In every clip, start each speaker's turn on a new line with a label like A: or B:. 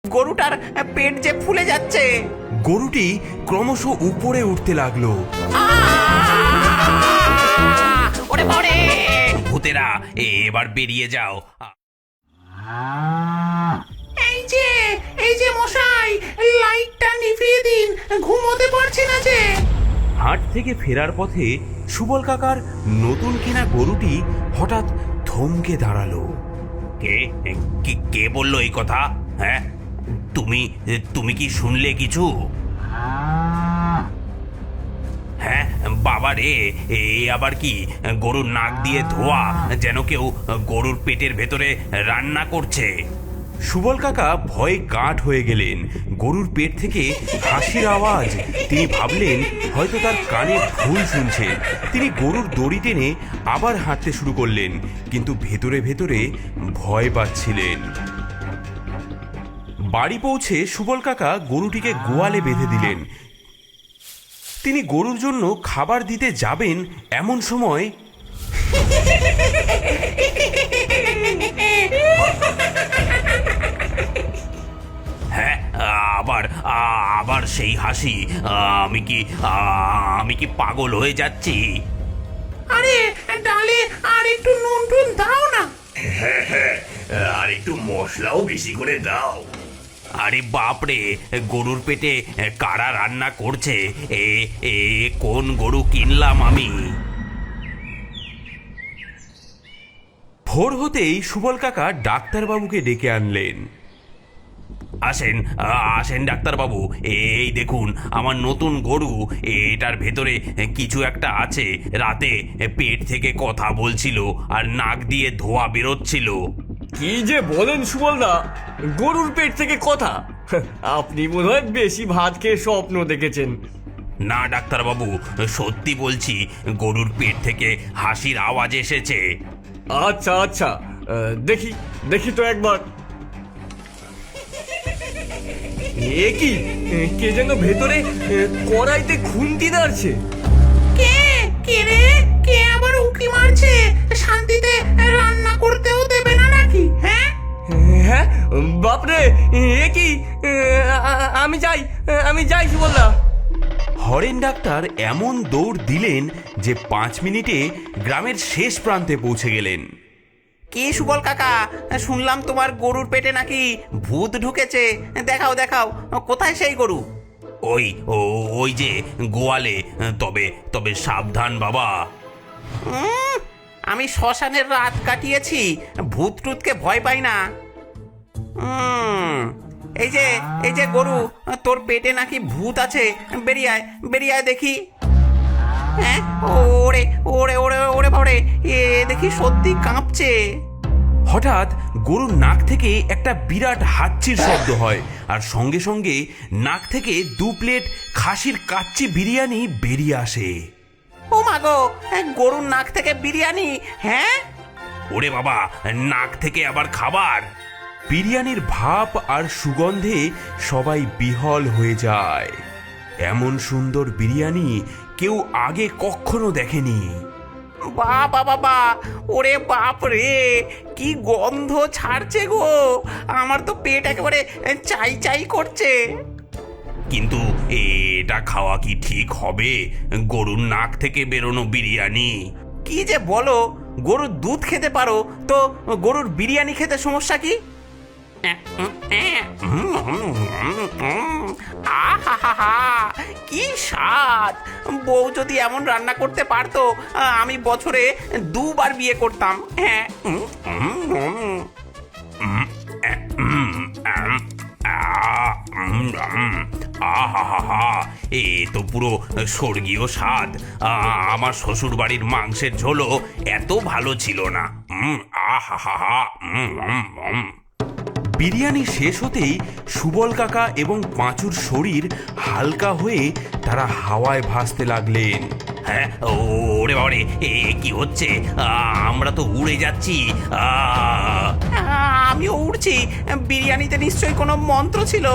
A: গরুটার পেট যে ফুলে যাচ্ছে।
B: গরুটি ক্রমশ উপরে উঠতে লাগলো।
A: ওরে বাবারে!
C: ভূতেরা এবার বেরিয়ে যাও।
A: এই যে মশাই, লাইটটা নিভিয়ে দিন, ঘুমোতে পারছি না যে।
B: হাট থেকে ফেরার পথে সুবল কাকার নতুন কেনা গরুটি হঠাৎ থমকে দাঁড়ালো।
C: কে কে বললো এই কথা? হ্যাঁ, তুমি তুমি কি শুনলে কিছু? হ্যাঁ বাবা রে, এ আবার কি? গরুর নাক দিয়ে ধোয়া, যেন কেউ গরুর পেটের ভেতরে রান্না করছে।
B: সুবল কাকা ভয়ে কাঠ হয়ে গেলেন। গরুর পেট থেকে হাসির আওয়াজ। তিনি ভাবলেন হয়তো তার কানে ভুল শুনছেন। তিনি গরুর দড়ি টেনে আবার হাঁটতে শুরু করলেন, কিন্তু ভেতরে ভেতরে ভয় পাচ্ছিলেন। বাড়ি পৌঁছে সুবল কাকা গরুটিকে গোয়ালে বেঁধে দিলেন। তিনি গরুর জন্য খাবার দিতে যাবেন, এমন সময়
C: হ্যাঁ, আবার আবার সেই হাসি। আমি কি পাগল হয়ে যাচ্ছি?
A: আরে ডালে আর একটু নুন টুন দাও না।
C: আর একটু মশলাও বেশি করে দাও। আরে বাপরে, গরুর পেটে কারা রান্না করছে? এ এ কোন গরু কিনলাম আমি?
B: ভোর হতেই সুবল কাকা ডাক্তারবাবুকে ডেকে আনলেন।
C: আসেন আসেন ডাক্তারবাবু, এই দেখুন আমার নতুন গরু। এটার ভেতরে কিছু একটা আছে। রাতে পেট থেকে কথা বলছিল আর নাক দিয়ে ধোঁয়া বেরোচ্ছিল।
D: কি যে বলেন সুবলদা, গরুর পেট থেকে কথা? আপনি বোধহয় বেশি ভাত খেয়ে স্বপ্ন দেখেছেন।
C: না ডাক্তারবাবু, সত্যি বলছি, গরুর পেট থেকে হাসির আওয়াজ এসেছে।
D: আচ্ছা আচ্ছা, দেখি দেখি তো একবার। এ কি, কে যেন ভেতরে কড়াইতে খুন্তি নাড়ছে।
A: কে কে রে? কে আবার উঁকি মারছে? শান্তিতে রান্না করতেও দেবে না নাকি? হ্যাঁ
D: হ্যাঁ বাপরে, এ কি? আমি যাই সুবলদা।
B: হরেন ডাক্তার এমন দৌড় দিলেন যে 5 মিনিটে গ্রামের শেষ প্রান্তে পৌঁছে গেলেন।
A: কি সুবল কাকা, শুনলাম তোমার গরুর পেটে নাকি ভূত ঢুকেছে। দেখাও দেখাও, কোথায় সেই গরু?
C: ওই ওই যে গোয়ালে। তবে তবে সাবধান বাবা।
A: আমি শ্মশানের রাত কাটিয়েছি, ভূত টুতকে ভয় পাই না। এই যে গরু, তোর পেটে নাকি ভূত আছে। বেরিয়ে আয় দেখি। হ্যাঁ, ওরে ওরে ওরে ওরে বাবারে, এ দেখি সত্যি কাঁপছে।
B: হঠাৎ গরুর নাক থেকে একটা বিরাট হাঁচির শব্দ হয়, আর সঙ্গে সঙ্গে নাক থেকে 2 প্লেট খাসির কাচ্চি বিরিয়ানি বেরিয়ে আসে।
A: ও মা গো, গরুর নাক থেকে বিরিয়ানি! হ্যাঁ,
C: ওরে বাবা, নাক থেকে আবার খাবার!
B: বিরিয়ানির ভাপ আর সুগন্ধে সবাই বিহল হয়ে যায়। এমন সুন্দর বিরিয়ানি কেউ আগে কখনো দেখেনি।
A: বাবা বাবা, ওরে বাপ রে, কি গন্ধ ছাড়ছে গো! আমার তো পেট একেবারে চাই চাই করছে।
C: কিন্তু এটা খাওয়া কি ঠিক হবে? গরুর নাক থেকে বেরোনো বিরিয়ানি!
A: কি যে বলো, গরুর দুধ খেতে পারো তো গরুর বিরিয়ানি খেতে সমস্যা কি? আহা, কি স্বাদ! বউ যদি এমন রান্না করতে পারতো, আমি বছরে 2 বার বিয়ে করতাম। হ্যাঁ।
C: আহা, এ তো পুরো স্বর্গীয় স্বাদ। আমার শ্বশুর বাড়ির মাংসের ঝোলও এত ভালো ছিল না। আহা।
B: বিরিয়ানি শেষ হতেই সুবল কাকা এবং পাঁচুর শরীর হালকা হয়ে তারা হাওয়ায় ভাসতে লাগলেন।
C: হ্যাঁ, ওরে বাবারে, এ কি হচ্ছে? আমরা তো উড়ে যাচ্ছি।
A: আমিও উড়ছি। বিরিয়ানিতে নিশ্চয়ই কোনো মন্ত্র ছিল।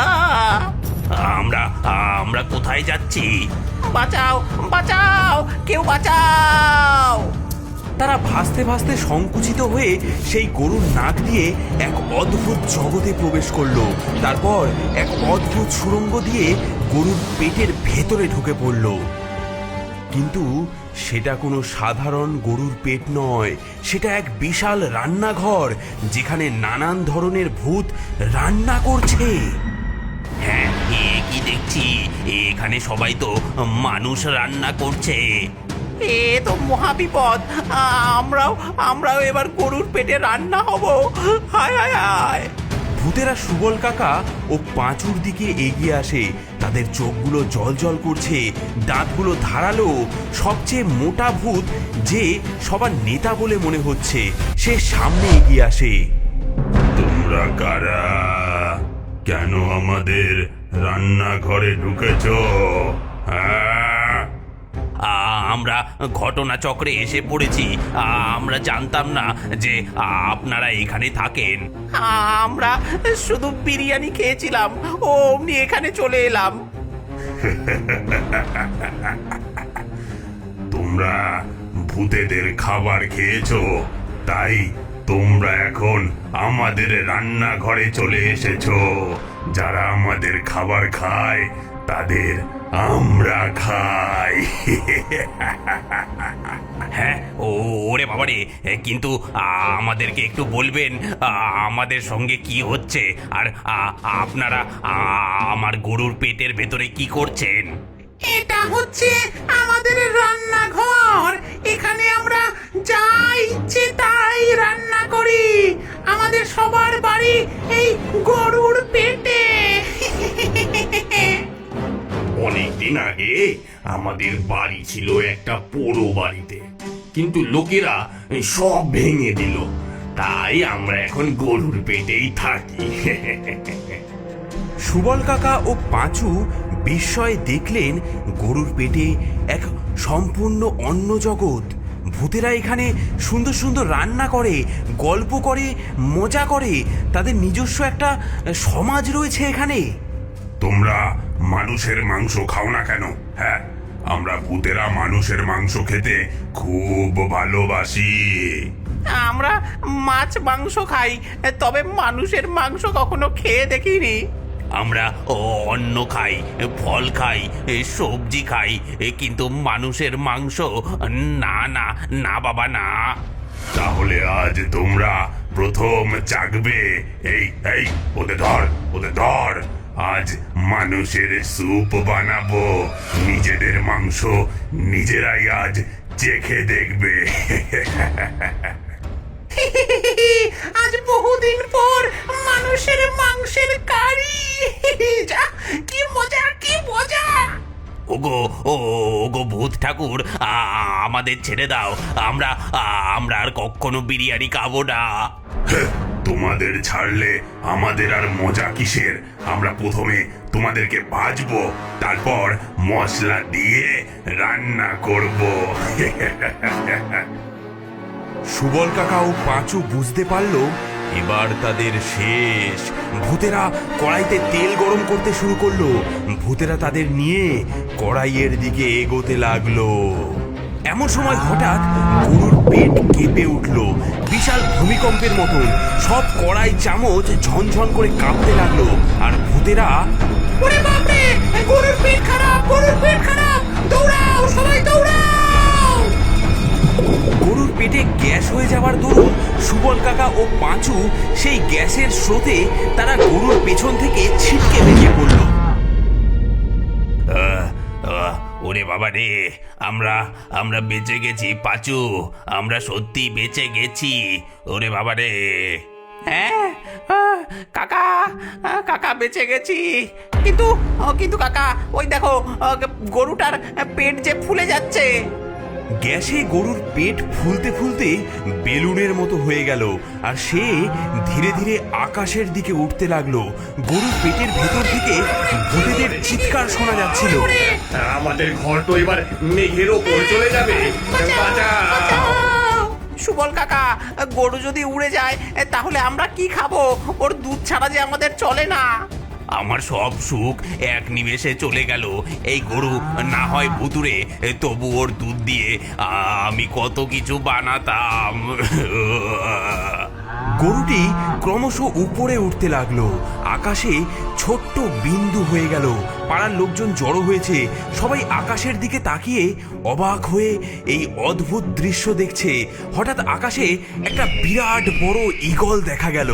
C: আমরা কোথায় যাচ্ছি?
A: বাঁচাও বাঁচাও, কেউ বাঁচাও!
B: তারা ভাসতে ভাসতে সংকুচিত হয়ে সেই গরুর নাক দিয়ে এক অদ্ভুত জগতে প্রবেশ করলো। তারপর এক অদ্ভুত সুড়ঙ্গ দিয়ে গরুর পেটের ভেতরে ঢুকে পড়ল। কিন্তু সেটা কোনো সাধারণ গরুর পেট নয়, সেটা এক বিশাল রান্নাঘর, যেখানে নানান ধরনের ভূত রান্না করছে।
C: হ্যাঁ, কি দেখছি, এখানে সবাই তো মানুষ রান্না করছে।
A: এ তো মহাবিপদ। আমরাও এবার গরুর পেটে রান্না হব। হায় হায় হায়।
B: ভূতেরা সুবল কাকা ও পাঁচুর দিকে এগিয়ে আসে। তাদের চোখগুলো জলজল করছে, দাঁতগুলো ধারালো। সবচেয়ে মোটা ভূত, যে সবার নেতা বলে মনে হচ্ছে, সে সামনে এগিয়ে আসে।
E: তোমরা কারা? কেন আমাদের রান্নাঘরে ঢুকেছো? হ্যাঁ,
C: আমরা ঘটনাচক্রে এসে পড়েছি। আমরা জানতাম না যে আপনারা এখানে থাকেন।
A: আমরা শুধু বিরিয়ানি খেয়েছিলাম, অমনি এখানে চলে এলাম।
E: তোমরা ভূতেদের খাবার খেয়েছো, তাই তোমরা এখন আমাদের রান্নাঘরে চলে এসেছো। যারা আমাদের খাবার খায় তাদের আমরা খাই।
C: হ্যাঁ, ওরে বাবারে, কিন্তু আমাদেরকে একটু বলবেন আমাদের সঙ্গে কি হচ্ছে, আর আপনারা আমার গরুর পেটের ভেতরে কি করছেন?
A: এটা হচ্ছে আমাদের রান্নাঘর। এখানে আমরা যা ইচ্ছে তাই রান্না করি। আমাদের সবার বাড়ি এই গরুর পেটে।
E: অনেকদিন আগে আমাদের বাড়ি ছিল একটা পোড়ো বাড়িতে, কিন্তু লোকেরা সব ভেঙে দিল, তাই আমরা এখন গরুর পেটেই থাকি।
B: সুবল কাকা ও পাঁচু বিস্ময়ে দেখলেন গরুর পেটে এক সম্পূর্ণ অন্য জগৎ। ভূতেরা এখানে সুন্দর সুন্দর রান্না করে, গল্প করে, মজা করে। তাদের নিজস্ব একটা সমাজ রয়েছে এখানে।
E: তোমরা মানুষের মাংস খাও না কেন? হ্যাঁ, আমরা ভূতেরা মানুষের মাংস খেতে খুব ভালোবাসি।
A: আমরা মাছ মাংস খাই, তবে মানুষের মাংস কখনো খেয়ে দেখিনি।
C: আমরা অন্ন খাই, ফল খাই, সবজি খাই, কিন্তু মানুষের মাংস না না না বাবা না।
E: তাহলে আজ তোমরা প্রথম চাখবে। এই এই ওদের ধর, ওদের ধর। আজ মানুষের স্যুপ বানাবো, নিজেদের মাংস নিজেরাই আজ চেখে দেখবে।
A: আজ বহুদিন পর মানুষের মাংসের কারি। যা, কি মজা, কি মজা।
C: ওগো ভূত ঠাকুর, আমাদের ছেড়ে দাও। আমরা আর কখনো বিরিয়ানি খাবো না।
E: তোমাদের ছাড়লে আমাদের আর মজা কিসের? আমরা প্রথমে তোমাদেরকে ভাজবো, তারপর মশলা দিয়ে রান্না করব।
B: সুবল কাকা ও পাঁচু বুঝতে পারল এবার তাদের শেষ। ভূতেরা কড়াইতে তেল গরম করতে শুরু করলো। ভূতেরা তাদের নিয়ে কড়াইয়ের দিকে এগোতে লাগলো। এমন সময় হঠাৎ গরুর পেট কেঁপে উঠল বিশাল ভূমিকম্পের মতন। সব কড়াই চামচ ঝনঝন করে কাঁপতে লাগলো। আর ভূতেরা,
A: ওরে বাপরে, গরুর পেট খারাপ, গরুর পেট খারাপ, দৌড়াও সবাই দৌড়াও।
B: গরুর পেটে গ্যাস হয়ে যাওয়ার দরুন সুবল কাকা ও পাঁচু সেই গ্যাসের স্রোতে তারা গরুর পেছন থেকে ছিটকে বেরিয়ে পড়ল।
C: ওরে বাবা রে, আমরা বেঁচে গেছি পাচু, আমরা সত্যি বেঁচে গেছি। ওরে বাবা রে।
A: হ্যাঁ, কাকা, কাকা বেঁচে গেছি। কিন্তু কাকা, ওই দেখো, গরুটার পেট যে ফুলে যাচ্ছে।
B: গ্যাসে গরুর পেট ফুলতে ফুলতে বেলুনের মতো হয়ে গেল, আর সে ধীরে ধীরে আকাশের দিকে উঠতে লাগলো। গরুর পেটের ভেতর থেকে ভূতেদের চিৎকার শোনা যাচ্ছিল।
E: আমাদের ঘর তো এবার মেঘের ওপর চলে যাবে।
A: সুবল কাকা, গরু যদি উড়ে যায় তাহলে আমরা কি খাবো? ওর দুধ ছাড়া যে আমাদের চলে না।
C: আমার সব সুখ এক নিমেষে চলে গেল। এই গরু না হয় ভুতুরে, তবু ওর দুধ দিয়ে আমি কত কিছু বানাতাম।
B: গরুটি ক্রমশ উপরে উঠতে লাগলো, আকাশে ছোট্ট বিন্দু হয়ে গেল। পাড়ার লোকজন জড়ো হয়েছে, সবাই আকাশের দিকে তাকিয়ে অবাক হয়ে এই অদ্ভুত দৃশ্য দেখছে। হঠাৎ আকাশে একটা বিরাট বড় ঈগল দেখা গেল।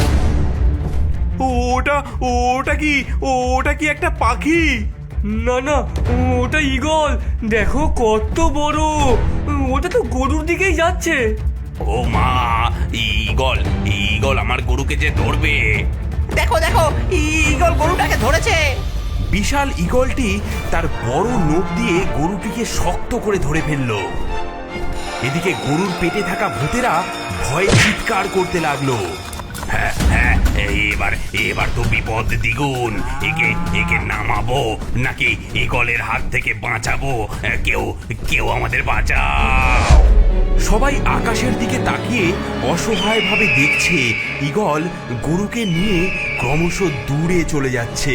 B: ওটা কি একটা পাখি?
D: না না, ওটা ঈগল। দেখো কত বড়, ওটা তো গরুর দিকেই যাচ্ছে।
C: ও মা, ঈগল ঈগল আমার গরুকে যে ধরবে।
A: দেখো দেখো, ঈগল গরুটাকে ধরেছে।
B: বিশাল ঈগলটি তার বড় নখ দিয়ে গরুটিকে শক্ত করে ধরে ফেলল। এদিকে গরুর পেটে থাকা ভূতেরা ভয়ে চিৎকার করতে লাগলো।
C: হ্যাঁ হ্যাঁ, এবার তো বিপদ দ্বিগুণ। একে নামাবো নাকি ঈগলের হাত থেকে বাঁচাবো? কেউ আমাদের বাঁচাও।
B: সবাই আকাশের দিকে তাকিয়ে অসহায়ভাবে দেখছে ঈগল গরুকে নিয়ে ক্রমশ দূরে চলে যাচ্ছে।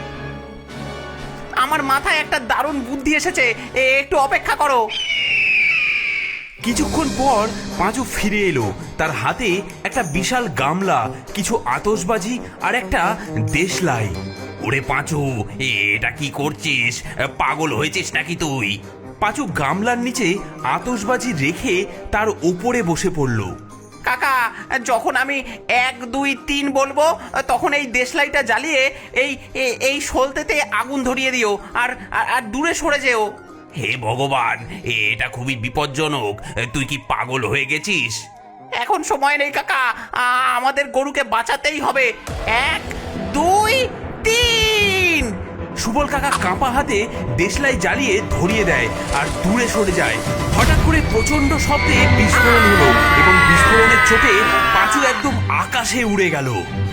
A: আমার মাথায় একটা দারুণ বুদ্ধি এসেছে, একটু অপেক্ষা করো।
B: কিছুক্ষণ পর পাঁচু ফিরে এলো, তার হাতে একটা বিশাল গামলা, কিছু আতশবাজি আর একটা দেশলাই।
C: ওরে পাঁচু, এটা কি করছিস? পাগল হয়েছিস নাকি তুই?
B: পাঁচু গামলার নিচে আতশবাজি রেখে তার ওপরে বসে পড়ল।
A: কাকা, যখন আমি 1 2 3 বলবো তখন এই দেশলাইটা জ্বালিয়ে এই সলতেতে আগুন ধরিয়ে দিও, আর দূরে সরে যেও।
C: হে ভগবান, এটা খুবই বিপজ্জনক। তুই কি পাগল হয়ে গেছিস?
A: এখন সময় নেই কাকা, আমাদের গরুকে বাঁচাতেই হবে। 1 2 3।
B: সুবল কাকা কাঁপা হাতে দেশলাই জ্বালিয়ে ধরিয়ে দেয় আর দূরে সরে যায়। হঠাৎ করে প্রচন্ড শব্দে বিস্ফোরণ হলো এবং বিস্ফোরণের চোটে পাঁচু একদম আকাশে উড়ে গেল।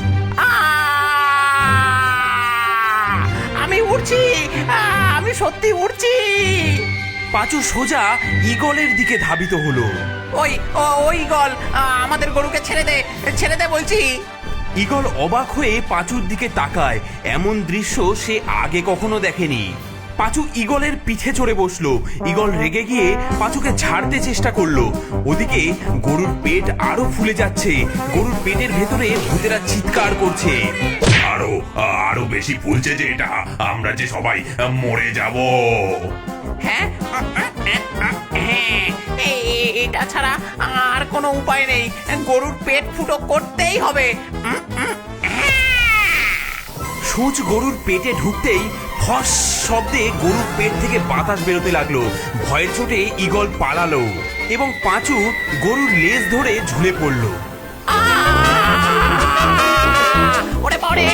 A: আমি উড়ছি, আমি সত্যি উড়ছি।
B: পাঁচু সোজা ঈগলের দিকে ধাবিত হলো।
A: ওই ঈগল, আমাদের গরুকে ছেড়ে দে বলছি।
B: ঈগল অবাক হয়ে পাঁচুর দিকে তাকায়, এমন দৃশ্য সে আগে কখনো দেখেনি। পাঁচু ঈগলের পিঠে চড়ে বসলো। ঈগল রেগে গিয়ে পাঁচুকে ছাড়তে চেষ্টা করলো। ওদিকে গরুর পেট আরো ফুলে যাচ্ছে, গরুর পেটের ভেতরে ভূতেরা চিৎকার করছে।
E: আরো বেশি ফুলছে যে এটা, আমরা যে সবাই মরে যাব।
A: হ্যাঁ, এটা ছাড়া আর কোনো উপায় নেই, গরুর পেট ফুটো করতেই হবে।
B: সূচ গরুর পেটে ঢুকতেই ফস শব্দে গরুর পেট থেকে বাতাস বেরোতে লাগলো। ভয়ের চোটে ঈগল পালালো এবং পাঁচু গরুর লেজ ধরে ঝুলে পড়লো।
A: ওরে বাবারে!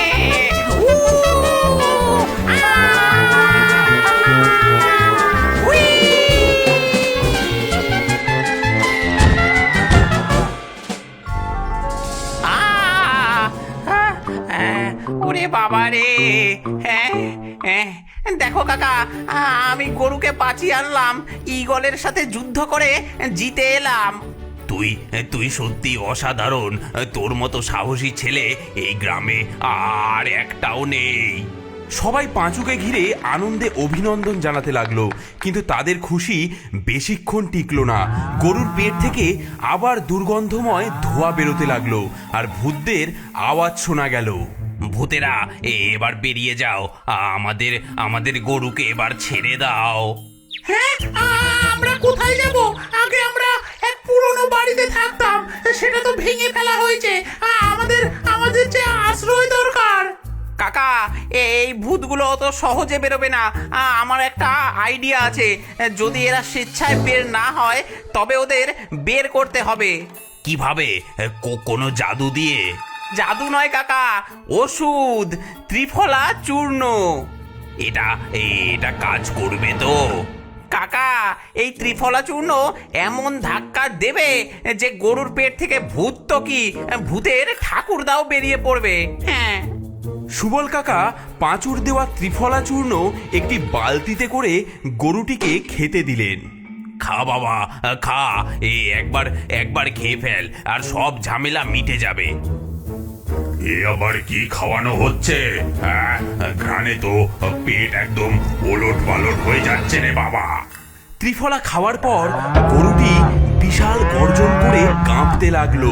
A: ওরে বাবা রে! হ্যাঁ, দেখো কাকা, আমি গরুকে বাঁচিয়ে আনলাম, ঈগলের সাথে যুদ্ধ করে জিতে এলাম।
C: তুই সত্যি অসাধারণ। তোর মতো সাহসী ছেলে এই গ্রামে আর একটাও নেই।
B: সবাই পাঁচুকে ঘিরে আনন্দে অভিনন্দন জানাতে লাগলো, কিন্তু তাদের খুশি বেশিক্ষণ টিকলো না। গরুর পেট থেকে আবার দুর্গন্ধময় ধোঁয়া বেরোতে লাগলো আর ভূতদের আওয়াজ শোনা গেল।
C: ভূতেরা, এবার বেরিয়ে যাও, আমাদের গরুকে এবার ছেড়ে দাও।
A: হ্যাঁ, আমরা কোথায় যাব? আগে আমরা এক পুরনো বাড়িতে থাকতাম, সেটা তো ভেঙে ফেলা হয়েছে। আমাদের যে আশ্রয় দরকার। কাকা, এই ভূতগুলো অত সহজে বেরোবে না। আমার একটা আইডিয়া আছে, যদি এরা স্বেচ্ছায় বের না হয় তবে ওদের বের করতে হবে।
C: কিভাবে? কোনো জাদু দিয়ে?
A: জাদু নয় কাকা, ওষুধ, ত্রিফলা চূর্ণ।
C: এটা কাজ করবে তো?
A: কাকা, এই ত্রিফলা চূর্ণ এমন ধাক্কা দেবে যে গরুর পেট থেকে ভূত তো কি, ভূতের ঠাকুরদাও বেরিয়ে পড়বে। হ্যাঁ।
B: সুবল কাকা পাঁচুর দেওয়া ত্রিফলা চূর্ণ একটি বালতিতে করে গরুটিকে খেতে দিলেন।
C: খা বাবা, খা। একবার খেয়ে ফেল আর সব ঝামেলা মিটে যাবে।
E: এ আবার কি খাওয়ানো হচ্ছে? হ্যাঁ, ঘ্রাণে তো পেট একদম ওলট পালট হয়ে যাচ্ছে রে বাবা।
B: ত্রিফলা খাওয়ার পর গরুটি বিশাল গর্জন করে কাঁপতে লাগলো।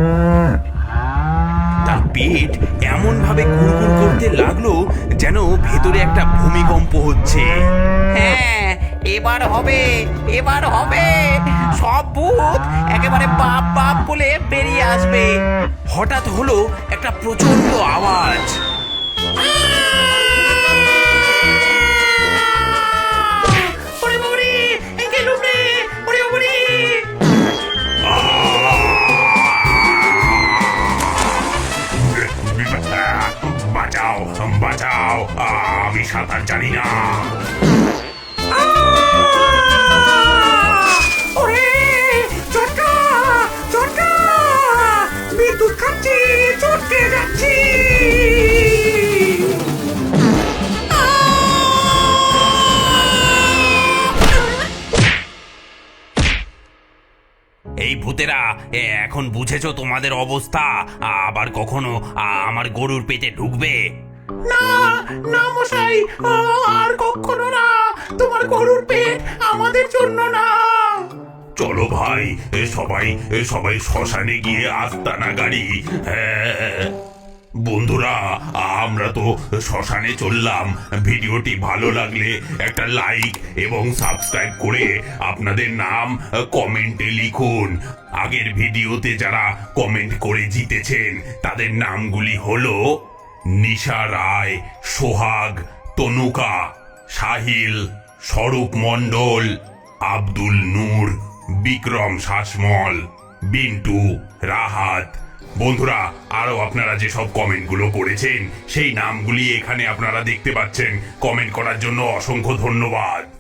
B: তার পেট এমন ভাবে কুড়কুড় করতে লাগলো যেন ভেতরে একটা ভূমিকম্প হচ্ছে।
A: হ্যাঁ, এবার হবে, এবার হবে। সব ভূত একেবারে বাপ বাপ বলে বেরিয়ে আসবে।
B: হঠাৎ হলো একটা প্রচন্ড আওয়াজ।
A: ওরে বাবারে, গেলুম রে, ওরে বাবারে।
E: বাঁচাও, বাঁচাও, আমি সাঁতার জানি না।
A: ওরে চটকা, চটকা, বিদ্যুৎ খাচ্ছি, চটকে যাচ্ছি।
C: এই ভূতেরা এখন বুঝেছো তোমাদের অবস্থা? আবার কখনো আমার গরুর পেটে ঢুকবে?
A: না, না মশাই, আর কখনো না। তোমার গরুর পেট আমাদের জন্য না।
E: চলো ভাই, সবাই সবাই শ্মশানে গিয়ে আস্তানা গাড়ি। হ্যাঁ, বন্ধুরা, আমরা তো শ্মশানে চললাম। ভিডিওটি ভালো লাগলে একটা লাইক এবং সাবস্ক্রাইব করে আপনাদের নাম কমেন্টে লিখুন। আগের ভিডিওতে যারা কমেন্ট করে জিতেছেন তাদের নামগুলি হলো নিশা রায়, সোহাগ, তনুকা, সাহিল, স্বরূপ মণ্ডল, আব্দুল নূর, বিক্রম শাসমল, বিন্টু, রাহাত। বন্ধুরা, আরো আপনারা যে সব কমেন্টগুলো করেছেন সেই নামগুলি এখানে আপনারা দেখতে পাচ্ছেন। কমেন্ট করার জন্য অসংখ্য ধন্যবাদ।